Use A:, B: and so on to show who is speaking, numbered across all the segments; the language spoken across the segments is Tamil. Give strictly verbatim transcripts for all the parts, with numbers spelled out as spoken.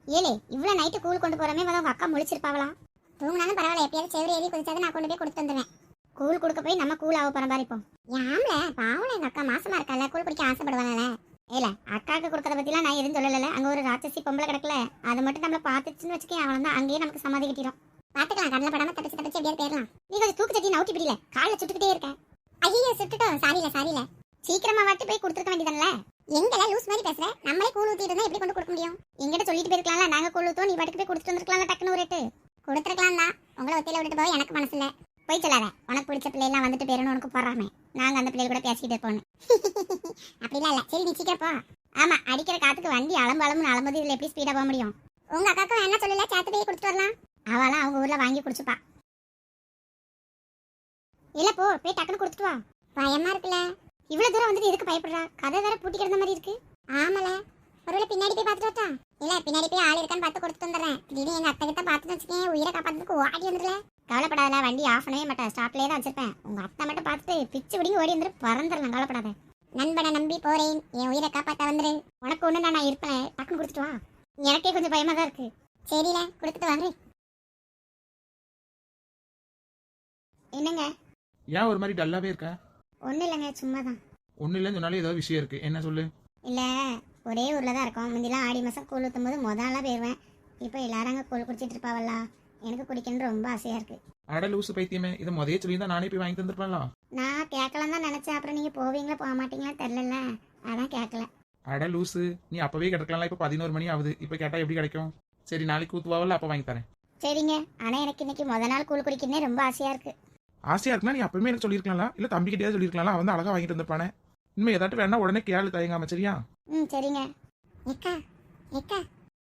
A: ஏலே இவ்வளவு நைட்டு கூழ் கொண்டு போறமே வந்து உங்க அக்கா முழிச்சிருப்பாவளா? தூங்கினாலும் பரவாயில்ல, எப்பயாவது செவரி ஏறி குதிச்சாதான் நான் கொண்டு போய் கொடுத்து வந்துடுவேன். கூழ் கொடுக்க போய் நம்ம கூழ் ஆக போற மாதிரி இப்போ. யாம்ல பாவம், எங்க அக்கா மாசமா இருக்கல, கூழ் குடிக்க ஆசைப்படுவாங்கல்ல. ஏல அக்காவுக்கு கொடுக்கறத பத்திலாம் நான் எதுவும் சொல்லல. அங்க ஒரு ராட்சசி பொம்பளை கிடக்கல, அதை மட்டும் நம்மள பாத்துச்சுன்னு வச்சுக்கேன், அவன் தான் அங்கேயே நமக்கு சமாதி கட்டிடும். பாத்துக்கலாம், கடல படாம தப்பிச்சு தப்பிச்சு எப்படியாவது போயிடலாம். நீ கொஞ்சம் தூக்கு சட்டி நவுட்டி பிடில, காலில் சுட்டுக்கிட்டே இருக்க. ஐயோ சுட்டுட்டோம், சாரியில சாரியில. சீக்கிரமா வாட்டி போய் கொடுத்துருக்க வேண்டியதானே. எங்கெல்லாம் லூஸ் மாதிரி பேசுற? நம்மளே கூழ் ஊத்திட்டு இருந்தா எப்படி கொண்டு கொடுக்க முடியும்? எங்கிட்ட சொல்லிட்டு போயிருக்கலாம்ல, நாங்க கூழ் ஊத்துவோம், நீ பாட்டுக்கு போய் கொடுத்துட்டு வந்திருக்கலாம்ல. டக்குனு ஒரு ரேட்டு கொடுத்துருக்கலாம் தான். உங்களை ஒத்தையில விட்டுட்டு போக எனக்கு மனசு இல்ல. போய் சொல்லாத, உனக்கு பிடிச்ச பிள்ளைலாம் வந்துட்டு பேரணும் உனக்கு போறாமே. நாங்க அந்த பிள்ளைகள் கூட பேசிக்கிட்டு இருப்போம். அப்படிலாம் இல்ல. சரி நீ சீக்கிரம் போ. ஆமா, அடிக்கிற காத்துக்கு வண்டி அலம்பு அலம்புன்னு அலம்புது, இதுல எப்படி ஸ்பீடா போக முடியும்? உங்க அக்காக்கும் என்ன சொல்லல, சேர்த்து போய் கொடுத்துட்டு வரலாம். அவளாம் அவங்க ஊர்ல வாங்கி குடிச்சுப்பா. இல்ல போ, போய் டக்குன்னு கொடுத்துட்டு வா. பயமா இருக்குல்ல, இவ்வளவு தூரம் வந்துட்டு எதுக்கு பயப்படுறா? கதை வேற பூட்டி கிடந்த மாதிரி இருக்கு. ஆமால, ஒருவேளை பின்னாடி போய் பார்த்துட்டு வரட்டா? இல்ல பின்னாடி போய் ஆள் இருக்கான்னு பார்த்து கொடுத்துட்டு வந்துடுறேன். திடீர்னு எங்க அத்தை கிட்ட பார்த்துட்டு வச்சுக்கேன், உயிரை காப்பாத்துறதுக்கு ஓடி வந்துடல. கவலைப்படாத, வண்டி ஆஃப் பண்ணவே மாட்டேன், ஸ்டாப்லேயே தான் வச்சிருப்பேன். உங்க அத்தை மட்டும் பார்த்துட்டு பிச்சு பிடிங்கி ஓடி வந்துட்டு பறந்துடலாம். கவலைப்படாத. நண்பனை நம்பி போறேன், என் உயிரை காப்பாற்ற வந்துரு. உனக்கு ஒண்ணு நான் இருப்பேன், டக்குன்னு கொடுத்துட்டு வா. எனக்கே கொஞ்சம் பயமா தான் இருக்கு. சரில, கொடுத்துட்டு வாங்க. என்னங்க
B: ஏன் ஒரு மாதிரி டல்லாவே இருக்க?
A: ஒன்றும் இல்லைங்க, சும்மா தான்.
B: ஒன்றும் இல்லைன்னு சொன்னாலும் ஏதோ விஷயம் இருக்கு, என்ன சொல்லு.
A: இல்லை, ஒரே ஊரில் தான் இருக்கோம். முந்திலாம் ஆடி மாதம் கூழ் ஊற்றும் போது முதல்லாம் போயிடுவேன். இப்போ எல்லாரும் அங்கே கூழ் குடிச்சிட்டு இருப்பாவல்லா, எனக்கு குடிக்கணும்னு ரொம்ப ஆசையாக இருக்கு.
B: அட லூசு பைத்தியமே, இதை முதலே சொல்லி தான் நானே போய் வாங்கி தந்துருப்பேன்ல.
A: நான் கேட்கலாம் தான் நினச்சேன், அப்புறம் நீங்கள் போவீங்களா போக மாட்டீங்களா தெரிலல, அதான் கேட்கல.
B: அட லூசு, நீ அப்பவே கிடக்கலாம். இப்போ பதினோரு மணி ஆகுது, இப்போ கேட்டால் எப்படி கிடைக்கும்? சரி நாளைக்கு ஊத்துவாவல்ல, அப்போ வாங்கி தரேன்.
A: சரிங்க, ஆனால் எனக்கு இன்னைக்கு முத நாள் கூழ் குடிக்கணுன்னே ரொம்ப ஆசையாக இருக்கு.
B: ஆசையா இருக்குன்னா நீ அப்பவுமே எனக்கு சொல்லியிருக்கலாம், இல்லை தம்பி கிட்டே சொல்லியிருக்கலாம், அவன் வந்து அழகா வாங்கிட்டு வந்திருப்பானே. இனிமே ஏதாட்டும் வேணா உடனே கேளு, தயங்காம. சரியா?
A: ம் சரிங்க. எக்கா எக்கா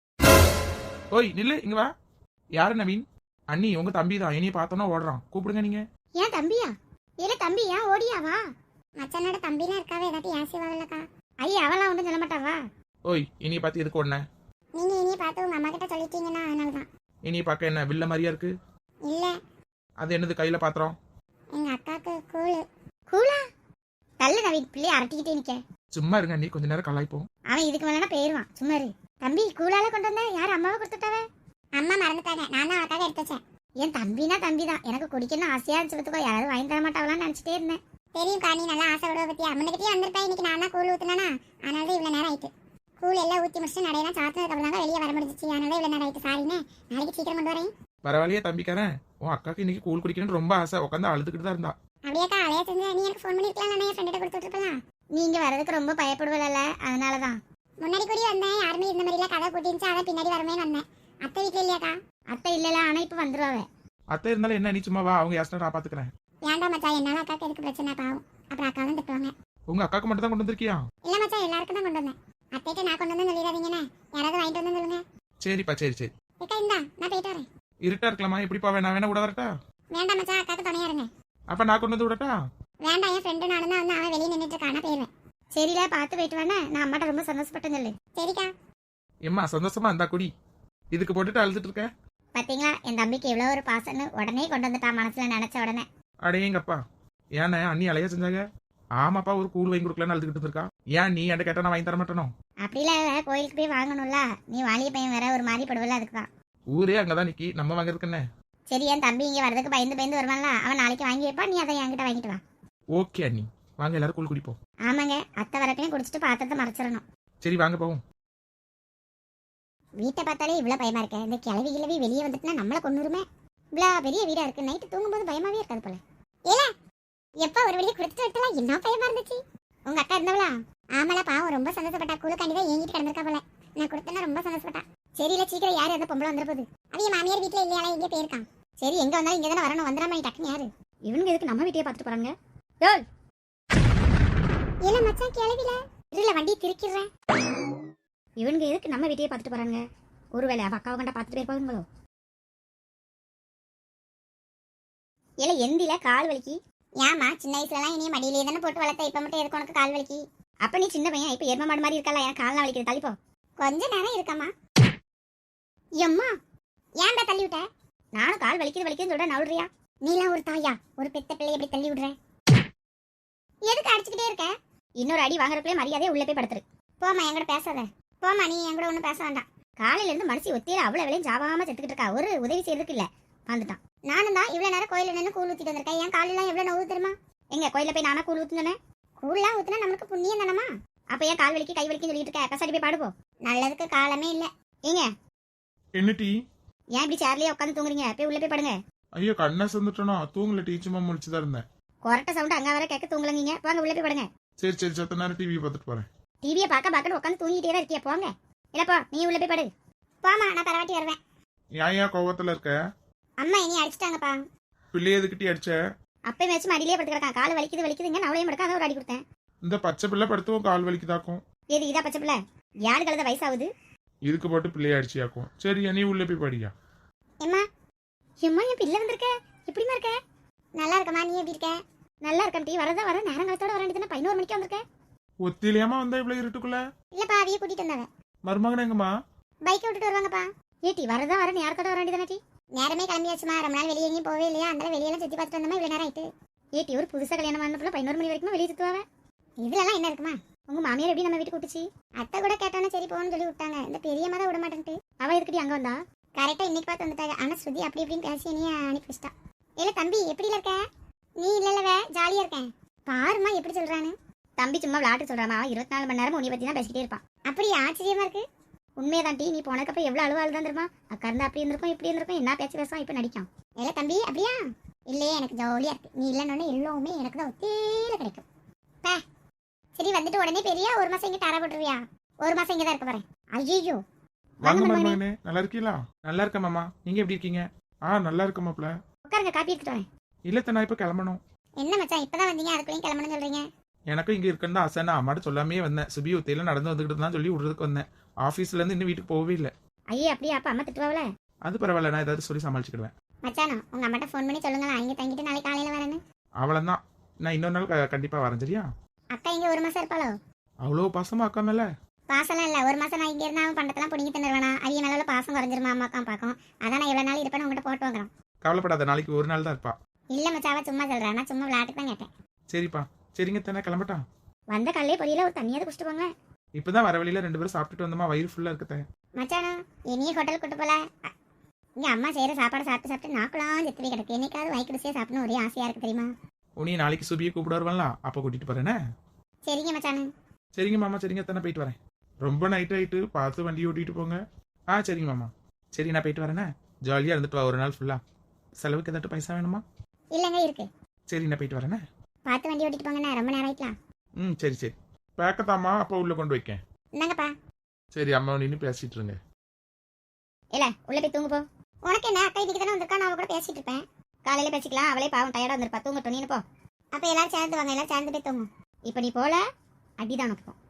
B: ஓய் நில்லு, இங்க வா. யாரு நவீன்? அண்ணி உங்க தம்பி தான், என்னைய பார்த்தோன்னா ஓடுறான், கூப்பிடுங்க நீங்க.
A: ஏன் தம்பியா? இல்ல தம்பி ஏன் ஓடியாவா? மச்சானோட தம்பிலாம் இருக்காவே, ஏதாட்டி ஆசைவாவில்லக்கா. ஐயா அவளாம் ஒன்றும் சொல்ல மாட்டாவா?
B: ஓய் இனிய பார்த்து எதுக்கு உடனே?
A: நீங்க இனிய பார்த்து உங்க அம்மா கிட்ட சொல்லிட்டீங்கன்னா அதனாலதான்.
B: இனிய பார்க்க என்ன வில்ல மாதிரியா இருக்கு?
A: இல்ல,
B: அது என்னது கையில பாத்திரம்?
A: எங்க அக்காக்கு கூழு. கூழா? தள்ளு நவீன், பிள்ளைய அரட்டிக்கிட்டே நிக்க.
B: சும்மா இருங்க நீ, கொஞ்ச நேரம் கலாய்ப்போம்.
A: அவன் இதுக்கு மேலனா போயிருவான், சும்மா இரு. தம்பி கூழால கொண்டு வந்த யார்? அம்மாவை கொடுத்துட்டாவ? அம்மா மறந்துட்டாங்க, நான் தான் அவக்காக எடுத்து வச்சேன். என் தம்பினா தம்பி தான், எனக்கு குடிக்கணும் ஆசையா இருந்துச்சுக்கோ, யாராவது வாங்கி தர மாட்டாவலான்னு நினைச்சிட்டே இருந்தேன். தெரியும் காணி, நல்லா ஆசை விடுவ பத்தி அம்மனுக்கிட்டே வந்திருப்பேன். இன்னைக்கு நான் தான் கூழ் ஊத்துனா, அதனால தான் இவ்வளவு நேரம் ஆயிட்டு. கூழ் எல்லாம் ஊத்தி முடிச்சுட்டு நடையெல்லாம் சாத்தினதுக்கு அப்புறம் தான் வெளியே வர முடிஞ்சிச்சு, அதனால இவ்வளவு நேரம் ஆயிட்டு. சாரிண்ணே, நாளைக்கு சீக்கிரம் கொண்டு வரேன்.
B: பரவாயில்லையே தம்பிக்காரன், உன் அக்காக்கு இன்னைக்கு கூழ் குடிக்கணும்னு ரொம்ப ஆசை, உட்காந்து அழுதுகிட்டு தான் இருந்தா.
A: அப்படியாக்கா, அலையா செஞ்சு நீ எனக்கு ஃபோன் பண்ணிருக்கலாம், நான் என் ஃப்ரெண்ட கொடுத்துட்டு இருப்பலாம். நீங்க வரதுக்கு ரொம்ப பயப்படுவல, அதனாலதான். முன்னாடி கூடி வந்தேன், யாருமே இந்த மாதிரி எல்லாம் கதை போட்டிருந்துச்சு, அதை பின்னாடி வரமே வந்தேன். அத்தை வீட்டுல இல்லையாக்கா? அத்தை இல்லல, ஆனா இப்ப வந்துருவாவே.
B: அத்தை இருந்தாலும் என்ன, நீ சும்மா வா, அவங்க யாஸ்டா நான் பாத்துக்கிறேன்.
A: ஏன்டா மச்சான், என்னால அக்காக்கு எதுக்கு பிரச்சனை? பாவம், அப்புறம் அக்கா தான் திட்டுவாங்க.
B: உங்க அக்காக்கு மட்டும் தான் கொண்டு வந்திருக்கியா?
A: இல்ல மச்சான், எல்லாருக்கும் தான் கொண்டு வந்தேன். அத்தைட்ட நான் கொண்டு வந்து சொல்லிடாதீங்கண்ணே, யாராவது வாங்கிட்டு வந்து சொல்லுங்க.
B: சரிப்பா, சரி சரி.
A: ஏக்கா இந்தா, நான் போயிட்டு வரேன்.
B: இருட்டா இருக்கலாமா? எப்படிப்பா, வேணா வேணா விட வரட்டா?
A: வேண்டாம் மச்சான், அக்காக்கு துணையா இருங்க.
B: அப்ப நான் கொண்டு வந்து விடட்டா?
A: வேண்டாம், என் ஃப்ரெண்டு நானும் தான் வந்து அவன் வெளியே நின்றுட்டு இருக்கானா, போயிருவேன். சரில, பார்த்து போயிட்டு வேணா, நான் அம்மாட்ட ரொம்ப சந்தோஷப்பட்டேன் சொல்லு. சரிக்கா.
B: எம்மா சந்தோஷமா இருந்தா குடி, இதுக்கு போட்டுட்டு அழுதுட்டு இருக்க.
A: பாத்தீங்களா, என் தம்பிக்கு எவ்வளவு ஒரு பாசன்னு உடனே கொண்டு வந்துட்டான், மனசுல நினைச்ச உடனே.
B: அடேங்கப்பா, ஏன்னா அண்ணி அலையா செஞ்சாங்க? ஆமாப்பா, ஒரு கூழ் வாங்கி கொடுக்கலன்னு அழுதுகிட்டு இருக்கா. ஏன் நீ என்கிட்ட கேட்டா நான் வாங்கி தர மாட்டேனோ?
A: அப்படிலாம் கோயிலுக்கு போய் வாங்கணும்ல, நீ வாலிய பையன் வேற ஒரு மாதிரி படுவல, அதுக்குதான்.
B: ஊரே அங்கதான் நிக்கி, நம்ம வாங்குறதுக்கு என்ன?
A: சரி, என் தம்பி இங்க வரதுக்கு பயந்து பயந்து வருவான்ல, அவன் நாளைக்கு வாங்கி வைப்பா, நீ அதை என்கிட்ட வாங்கிட்டு வா.
B: ஓகே அண்ணி, வாங்க எல்லாரும் கூழ் குடிப்போம்.
A: ஆமாங்க, அத்தை வரப்பையும் குடிச்சிட்டு பாத்திரத்தை மறைச்சிடணும்.
B: சரி வாங்க போவோம்.
A: வீட்டை பார்த்தாலே இவ்வளவு பயமா இருக்க, இந்த கிளவி கிளவி வெளியே வந்துட்டுனா நம்மள கொண்டுருமே. இவ்வளவு பெரிய வீடா இருக்கு, நைட்டு தூங்கும்போது பயமாவே இருக்காது போல. ஏல எப்ப ஒரு வெளியே குடுத்துட்டு விட்டலாம், என்ன பயமா இருந்துச்சு. உங்க அக்கா இருந்தவளா? ஆமால, பாவம் ரொம்ப சந்தோஷப்பட்டா, குழுக்காண்டிதான் ஏங்கிட்டு கிடந்திருக்கா போல. நான் கொடுத்தேன்னா ரொம்ப சந்தோஷப்பட்டா. சரியில, சீக்கிரம் யாரு அந்த பொம்பளை வந்துட போகுது. அவைய மாமியார் வீட்டுல இல்லையால, எங்கே போயிருக்கான். சரி, எங்க வந்தாலும் இங்க தானே வரணும், வந்துடாம டக்குன்னு யாரு இவனுங்க? எதுக்கு நம்ம வீட்டையே பார்த்துட்டு போறாங்க? இல்ல மச்சான், கிளவில இல்ல வண்டி திருக்கிறேன். இவனுங்க எதுக்கு நம்ம வீட்டையே பார்த்துட்டு போறாங்க? ஒருவேளை அவ அக்காவை கண்டா பார்த்துட்டு போயிருப்பாங்களோ? இல்ல எந்தில கால் வலிக்கு. ஏமா, சின்ன வயசுல எல்லாம் இனிய மடியிலே தானே போட்டு வளர்த்த, இப்ப மட்டும் எதுக்கு உனக்கு கால் வலிக்கு? அப்ப நீ சின்ன பையன், இப்ப எரும மாடு மாதிரி இருக்கல, என் கால்லாம் வலிக்குது, தள்ளிப்போ. கொஞ்ச நேரம் இருக்கம்மா. எம்மா ஏன்டா தள்ளி விட்ட? நானும் கால் வலிக்குது வலிக்குதுன்னு சொல்ற, நவுடுறியா? நீலாம் ஒரு தாயா, ஒரு பெத்த பிள்ளை எப்படி தள்ளி விடுற? எதுக்கு அடிச்சுக்கிட்டே இருக்க? இன்னொரு அடி வாங்குறதுக்குள்ளே மரியாதையை உள்ள போய் படுத்துரு. போமா, என்கிட்ட பேசாத. போமா, நீ என் கூட ஒன்றும் பேச வேண்டாம். காலையில இருந்து மனசு ஒத்தியில அவ்வளவு வேலையும் ஜாவாம செத்துக்கிட்டு இருக்கா, ஒரு உதவி செய்யறதுக்கு இல்ல. வந்துட்டான். நானும் தான் இவ்வளவு நேரம் கோயில நின்று கூழ் ஊத்திட்டு வந்திருக்கேன். என் காலெல்லாம் எவ்வளவு நோவு தெரியுமா? எங்க கோயில போய் நானா கூழ் ஊத்துனேன்? கூழ்லாம் ஊத்துனா நமக்கு புண்ணியம் தானமா? அப்ப ஏன் கால் வலிக்கு கை வலிக்கு சொல்லிட்டு இருக்க? கசாடி போய் பாடுப்போ. நல்லதுக்கு காலமே இல்ல. ஏங்க
B: என்ன டீ?
A: ஏன் இப்படி சேர்லயே உட்காந்து தூங்குறீங்க? போய் உள்ள போய் படுங்க.
B: ஐயோ கண்ணை சந்துட்டோனா, தூங்கல டீ, சும்மா முடிச்சுதான் இருந்தேன்.
A: கொரட்ட சவுண்ட் அங்க வர கேட்க தூங்கலங்க. போங்க உள்ள போய் படுங்க.
B: சரி சரி, சத்த நேரம் டிவி பார்த்துட்டு போறேன்.
A: டிவியை பார்க்க பார்க்க உட்காந்து தூங்கிட்டே தான் இருக்கியா? போங்க. இல்லப்பா நீ உள்ள போய் படு. போமா, நான் பரவாட்டி வருவேன்.
B: ஏன் ஏன் கோவத்துல இருக்க?
A: அம்மா இனி அடிச்சிட்டாங்கப்பா.
B: பிள்ளைய எதுக்கிட்டி அடிச்ச?
A: அப்பயும் வச்சு மடியிலே படுத்து கிடக்கான். கால் வலிக்குது வலிக்குதுங்க. நவளையும் படுக்க அதை ஒரு அடி கொடுத்தேன்.
B: இந்த பச்சை பிள்ளை படுத்துவோம் கால் வலிக்குதாக்கும்.
A: ஏது இதா பச்சை பிள்ளை? யாரு கலந்த வயசாகுது?
B: இதுக்கு போட்டு பிள்ளைய அடிச்சியாக்கும். சரி நீ உள்ள போய் படியா.
A: எம்மா எம்மா என் பிள்ளை வந்திருக்க. எப்படிமா இருக்க? நல்லா இருக்கம்மா. நீ எப்படி இருக்க? நல்லா இருக்கேன் டீ. வரதா வர நேரம் காலத்தோட வர வேண்டியதுன்னா பதினோரு மணிக்கு வந்திருக்க.
B: ஒத்திலியாமா வந்தா இவ்வளவு இருட்டுக்குள்ள?
A: இல்லப்பா அவைய கூட்டிட்டு வந்தாங்க.
B: மருமகன் எங்கம்மா?
A: பைக்கை விட்டுட்டு வருவாங்கப்பா. ஏட்டி வரதா வர நேரத்தோட வர வேண்டியதானே டி? நேரமே கிளம்பியாச்சுமா. ரொம்ப நாள் வெளியே எங்கேயும் போவே இல்லையா? அந்த வெளியெல்லாம் சுத்தி பார்த்துட்டு வந்தோமா இவ்வளவு நேரம் ஆயிட்டு. ஏட்டி ஒரு புதுசா கல்யாணம் பண்ண பிள்ளை பதினோரு மணி வரைக்கும் வெளியே சுத்துவாங்க. இதுலலாம் என்ன இருக்குமா? உங்க மாமியார் எப்படி நம்ம வீட்டுக்கு கூட்டுச்சு? அத்தை கூட கேட்டானே சரி போன்னு சொல்லி விட்டாங்க. இந்த பெரியம்மா தான் விட மாட்டேன்ட்டு. அவ எதுக்கடி அங்க வந்தா? கரெக்டா இன்னைக்கு பார்த்து வந்துட்டாங்க. ஆனா ஸ்ருதி அப்படி இப்படின்னு பேசி நீ அனுப்பி வச்சிட்டா. இல்ல தம்பி எப்படி இருக்க? நீ இல்லல்லவே ஜாலியா இருக்கேன். பாருமா எப்படி சொல்றானு. தம்பி சும்மா விளையாட்டு சொல்றாமா. அவன் இருபத்தி நாலு மணி நேரம் உன்னை பத்தி தான் பேசிக்கிட்டே இருப்பான். அப்படி ஆச்சரியமா இருக்கு. உண்மையதான் டி. நீ போனதுக்கப்புறம் எவ்வளவு அழுவ அழுதான் தெரியுமா? அக்கா இருந்தா அப்படி இருந்திருக்கும் இப்படி இருந்திருக்கும். என்ன பேச்சு பேசுவான் இப்ப நடிக்கும். இல்ல தம்பி அப்படியா? இல்லையே எனக்கு ஜாலியா இருக்கு. நீ இல்லைன்னு எல்லாமே எனக்கு தான் ஒத்தேல கிடைக்கும். பே சரி வந்துட்டு உடனே பெரிய ஒரு மாசம் இங்க தர போட்டுருவியா? ஒரு மாசம் இங்க தான் இருக்க போறேன். ஐயோ
B: வாங்க மருமகனே. நல்லா இருக்கீங்களா? நல்லா இருக்கேன் மாமா. நீங்க எப்படி இருக்கீங்க? ஆ நல்லா இருக்க மாப்ள.
A: உட்காருங்க காப்பி எடுத்துட்டு வரேன்.
B: இல்ல நான் இப்ப கிளம்பணும்.
A: என்ன மச்சான் இப்பதான் வந்தீங்க அதுக்குள்ளேயும் கிளம்பணும்னு சொல்றீங்க?
B: எனக்கும் இங்க இருக்குன்னு தான் ஆசை. நான் அம்மாட்ட சொல்லாமே வந்தேன். சுபி ஒத்தையில நடந்து வந்துகிட்டு தான் சொல்லி விடுறதுக்கு வந்தேன். ஆபீஸ்ல இருந்து இன்னும் வீட்டுக்கு போகவே இல்லை.
A: ஐயே அப்படியே அப்பா அம்மா திட்டுவாங்களே?
B: அது பரவாயில்ல, நான் ஏதாவது சொல்லி சமாளிச்சுக்கிடுவேன்.
A: மச்சானா உங்க அம்மாட்ட ஃபோன் பண்ணி சொல்லுங்களா இங்க தங்கிட்டு நாளைக்கு காலையில வரேன்னு.
B: அவளதான். நான் இன்னொரு நாள் க- கண்டிப்பா வரேன். சரியா?
A: அக்கா இங்க ஒரு மாசம் இருப்பாளோ?
B: அவ்வளோ பாசமா அக்கா மேல?
A: பாசம்லாம் இல்ல. ஒரு மாசம் நான் இங்க இருந்தா அவன் பண்டத்தெல்லாம் பிடிங்கி தந்துருவானா? அவிய மேல பாசம் குறைஞ்சிருமா அம்மாக்கா பாக்கும். அதான் நான் எவ்வளவு நாள் இருப்பேன்னு உங்ககிட்ட போட்டு வாங்குறோம்.
B: கவலைப்படாத, நாளைக்கு ஒரு நாள் தான் இருப்பா.
A: இல்ல மச்சாவா சும்மா சொல்றேன். நான் சும்மா விளையாட்டுக்கு தான் கேட்டேன்.
B: சரிப்பா. சரிங்க தானே, கிளம்பட்டான்.
A: வந்த கல்லே பொரியல ஒரு தண்ணியாவது குடிச்சிட்டு போங்க.
B: இப்பதான் வர வழியில ரெண்டு பேரும் சாப்பிட்டுட்டு வந்தோமா, வயிறு ஃபுல்லா இருக்கத்த.
A: மச்சானா இனியே ஹோட்டல் கூட்டு போல. அ- இங்க அம்மா செய்யற சாப்பாடு சாப்பிட்டு சாப்பிட்டு நாக்குலாம் செத்து போய் கிடக்கு. என்னைக்காவது வாய்க்கு ருசியா சாப்பிடணும் ஒரே ஆசையா இருக்கு தெரியுமா?
B: உனி நாளைக்கு சுபியை கூப்பிட வருவாங்களா, அப்ப கூட்டிட்டு போறேனே.
A: சரிங்க மச்சானு.
B: சரிங்க மாமா. சரிங்க தானே, போயிட்டு வரேன். ரொம்ப நைட் ஆயிட்டு பார்த்து வண்டி ஓட்டிட்டு போங்க. ஆ சரிங்க மாமா. சரி நான் போயிட்டு வரேனே. ஜாலியா இருந்துட்டு வா ஒரு நாள் ஃபுல்லா. செலவுக்கு ஏதாட்டும் பைசா வேணுமா?
A: இல்லங்க இருக்கு.
B: சரி நான் போயிட்டு வரேனே.
A: பார்த்து வண்டி ஓட்டிட்டு போங்கண்ணா. ரொம்ப நேரம் ஆயிட்டலாம்.
B: ம் சரி சரி. பேக்கத்தாமா அப்ப உள்ள கொண்டு வைக்கேன்.
A: என்னங்கப்பா?
B: சரி அம்மா நின்று பேசிட்டு இருங்க.
A: இல்ல உள்ள போய் தூங்கு போ. உனக்கு என்ன அக்கா இதுக்கு தானே வந்திருக்கா? நான் அவ கூட பேசிட்டு இருப்பேன். காலையில பேசிக்கலாம். அவளே பாவம் டயர்டா வந்திருப்பா. தூங்கட்டும் நீனு போ. அப்ப எல்லாரும் சேர்ந்து வாங்க. எல்லாரும் சேர்ந்து போய் தூங்கும். இப்ப நீ போல அடிதான் உனக்கு போ.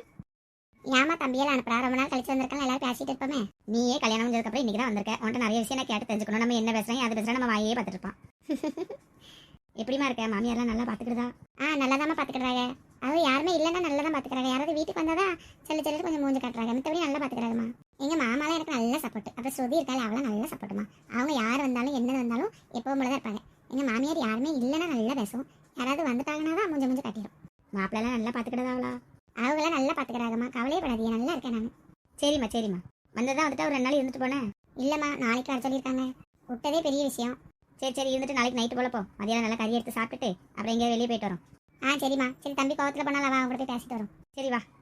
A: ஏமா தம்பியெல்லாம் அனுப்புறா? ரொம்ப நாள் கழிச்சு வந்திருக்காங்க. எல்லாரும் பேசிட்டு இருப்போமே. நீயே கல்யாணம் முடிஞ்சதுக்கு அப்புறம் இன்னைக்கு தான் வந்திருக்க. உன்ட்ட நிறைய விஷயம் நான் கேட்டு தெரிஞ்சுக்கணும். நம்ம என்ன பேசுறோம் அது பேசுறோம் நம்ம வாயே பார்த்துட்டு இருப்பான். எப்படிமா இருக்க? மாமியாரெல்லாம் நல்லா பாத்துக்கிடுதா? ஆ நல்லா தான் பாத்துக்கிடுறாங்க. அது யாருமே இல்லைன்னா நல்லா தான் பாத்துக்கிறாங்க. யாராவது வீட்டுக்கு வந்தாதான் செல்லு செல்லு கொஞ்சம் மூஞ்சி காட்டுறாங்க. மத்தபடி நல்லா பாத்துக்கிறாங்கம்மா. எங்க மாமாலாம் எனக்கு நல்ல சப்போர்ட். அப்புறம் ஸ்ருதி இருக்காள், அவளும் நல்ல சப்போர்ட்டுமா. அவங்க யார் வந்தாலும் என்ன வந்தாலும் எப்பவும் போல தான் இருப்பாங்க. எங்க மாமியார் யாருமே இல்லைன்னா நல்லா பேசும். யாராவது வந்துட்டாங்கன்னா தான் மூஞ்ச மூஞ்சி காட்டிடும். மாப்பிள்ளலாம் நல்லா பாத்துக்கிட்டதா அவளா? அவங்களாம் நல்லா பாத்துக்கிறாங்கம்மா. கவலையே படாதீங்க, நல்லா இருக்கேன் நான். சரிம்மா சரிம்மா. வந்ததான் வந்துட்டு ஒரு ரெண்டு நாள் இருந்துட்டு போனேன். இல்லம்மா நாளைக்கு வர சொல்லியிருக்காங்க. விட்டதே பெரிய விஷயம். சரி சரி இருந்துட்டு நாளைக்கு நைட்டு போல போ. மதியானம் நல்லா கறி எடுத்து சாப்பிட்டுட்டு அப்புறம் எங்கேயாவது வெளியே போயிட்டு வரோம். ஆ சரிம்மா. சரி தம்பி கோவத்தில் போனாலும் அவன் அவங்க கூட போய் பேசிட்டு வரோம். சரி வா.